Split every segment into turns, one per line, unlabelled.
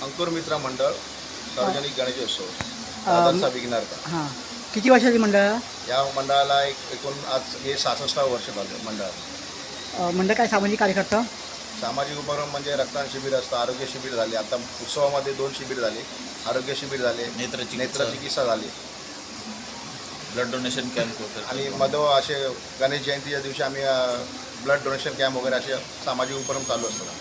अंकुर मित्र मंडळ सार्वजनिक गणेशोत्सव दादरचा विघ्नार्थ.
हां, किती वर्षाची मंडळ?
या मंडळाला एकूण आज हे 66 वर्ष झालं मंडळ.
मंडळ काय सामाजिक कार्य करतं?
सामाजिक उपक्रम म्हणजे रक्तदान शिबिर असतं, आरोग्य शिबिर झाले, आता उत्सवामध्ये 2 शिबिर झाले, आरोग्य शिबिर झाले, नेत्र चिकित्सा झाली,
ब्लड डोनेशन कॅम्प वगैरे.
आणि असे गणेश जयंतीच्या दिवशी आम्ही ब्लड डोनेशन कॅम्प वगैरे असे सामाजिक उपक्रम चालू असतात.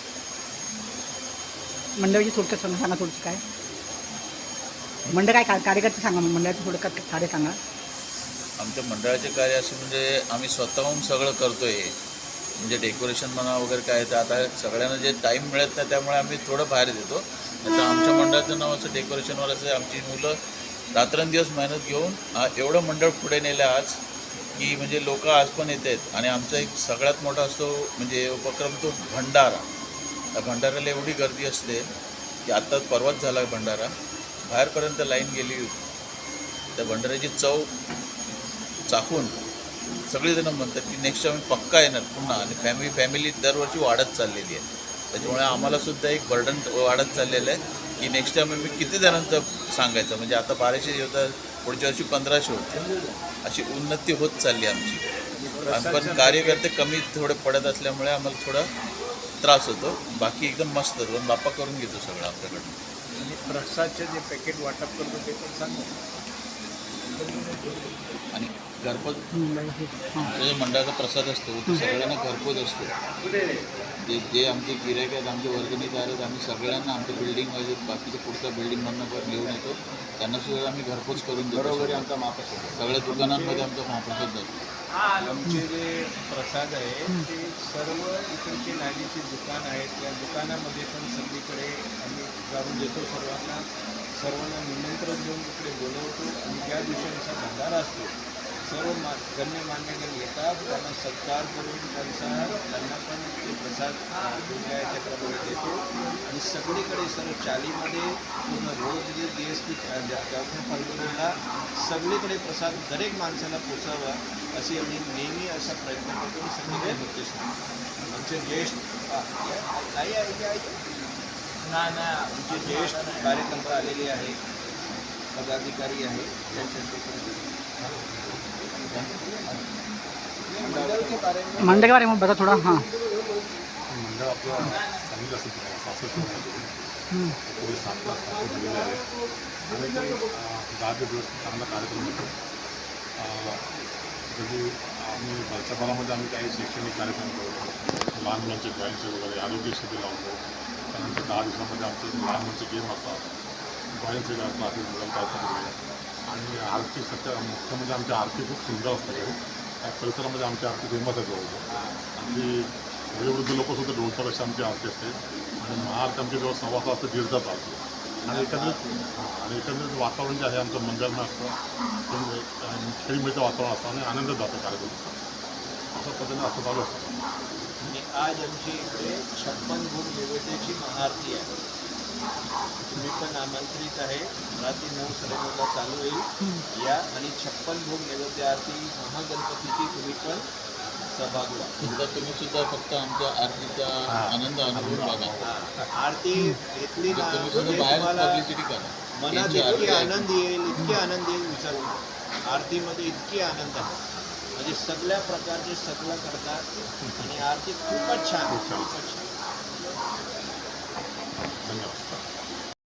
मंडळाची थोडक्यात सांगा थोडं काय मंडळ काय कार्यकर्ते सांगा, मंडळाचं थोडं कार्य सांगा.
आमच्या मंडळाचे कार्य असे म्हणजे आम्ही स्वतःहून सगळं करतो आहे, म्हणजे डेकोरेशन म्हणा वगैरे काय. तर आता सगळ्यांना जे टाईम मिळत नाही त्यामुळे आम्ही थोडं बाहेर देतो. तर आमच्या मंडळाचं नाव असं डेकोरेशनवर असं. आमची मुलं रात्रंदिवस मेहनत घेऊन एवढं मंडळ पुढे नेलं आज की म्हणजे लोक आज पण येत आहेत. आणि आमचा एक सगळ्यात मोठा असतो म्हणजे उपक्रम तो भंडारा. त्या भंडाऱ्याला एवढी गर्दी असते की आत्ताच परवाच झाला भंडारा, बाहेरपर्यंत लाईन गेली होती. त्या भंडाऱ्याची चव चाखून सगळेजण म्हणतात की नेक्स्ट टाइम पक्का येणार पुन्हा. आणि फॅमिली दरवर्षी वाढत चाललेली आहे. त्याच्यामुळे आम्हालासुद्धा एक बर्डन वाढत चाललेलं आहे की नेक्स्ट टाइम आम्ही किती जणांचं सांगायचं. म्हणजे आता 1200 होतं, पुढच्या वर्षी 1500 होते. अशी उन्नती होत चालली आमची. पण कार्यकर्ते कमी थोडे पडत असल्यामुळे आम्हाला थोडा त्रास होतो. बाकी एकदम मस्त पण बाप्पा करून घेतो सगळं आपल्याकडून.
आणि प्रसादचे जे पॅकेट वाटप करतो ते पण सांगा.
आणि घरपोच जो मंडळाचा प्रसाद असतो तो सगळ्यांना घरपोच असतो. जे आमचे गिऱ्हाईक आहेत, आमचे वर्गणीदार आहेत, आम्ही सगळ्यांना आमच्या बिल्डिंगमध्ये बाकीच्या पुढच्या बिल्डिंगमधनं घेऊन येतो. त्यांनासुद्धा आम्ही घरपोच करून देतो.
घरोघरी आमचा महाप्रसाद
सगळ्या दुकानांमध्ये आमचा महाप्रसाद जातो.
आमचे जे प्रसाद आहे ते सर्व इकडचे नालीचे दुकान आहेत, त्या दुकानामध्ये पण सगळीकडे आम्ही जाऊन देतो. सर्वांना निमंत्रण देऊन इकडे बोलवतो. आणि ज्या दिवशी आमचा भंडारा असतो सर्व गण्यमान्यजन येतात, त्यांना सत्कार करून त्यांना पण ते प्रसाद जे आहे त्याप्रमाणे देतो. आणि सगळीकडे सर्व चालीमध्ये पूर्ण रोज जे DSP फाल्गुनीला सगळीकडे प्रसाद दरेक माणसाला पोचावा अशी आम्ही नेहमी असा प्रयत्न करतो. सगळीकडे होतेच आमचे ज्येष्ठ आमचे ज्येष्ठ कार्यकर्ते आलेले आहेत, पदाधिकारी आहेत, त्यांच्या
मंडळ के बारे में बता थोड़ा. हां,
मंडळ आपलं सांगितलं असेल पोलीस 7 ला स्थापन झालेले आहे. आणि ते 10 दिवस चांगला कार्यक्रम होतो. म्हणजे आम्ही वर्षभरामध्ये आम्ही काही शैक्षणिक कार्यक्रम करतो, लहान मुलांचे ड्रॉईंगचे वगैरे, आरोग्य शिबिर लावतो. त्यानंतर 10 दिवसामध्ये आमचे लहान मुलांचे गेम असतात, ड्रॉईंगचे क्लासेस वगैरे करतात. आणि आरती मुख्य म्हणजे आमची आरती खूप सुंदर असते. त्या परिसरामध्ये आमची आरती फेमस आहे जवळ. आणि वयोवृद्ध लोकंसुद्धा 200पेक्षा आमची आरती असते. आणि महाआरती आमची जवळ 1.25 तास ते 1.5 तास चालते. आणि एकंदरीत वातावरण जे आहे आमचं मंदिरानं असतं, खेळीमेळीचं वातावरण असतं आणि आनंदात जातो कार्यक्रम. अशा पद्धतीने असं चालू असतं.
आणि आज आमची इकडे 56 भोग नैवेद्याची महाआरती आहे. तुम्ही पण आमंत्रित आहे. रात्री 9-9:30 चालू होईल या. आणि 56 भोग नैवेद्य आरती महागणपतीची तुम्ही पण सहभाग व्हा.
एकदा तुम्ही सुद्धा फक्त आमच्या आरतीचा आनंद अनुभव बघा.
आरती घेतली ना
तुम्ही सुद्धा बाहेर पब्लिसिटी करा.
मनात इतकी आनंद येईल, इतके आनंद येईल विचारू. आरतीमध्ये इतकी आनंद आहे म्हणजे सगळ्या प्रकारचे सगळं करतात. आणि आरती खूपच छान.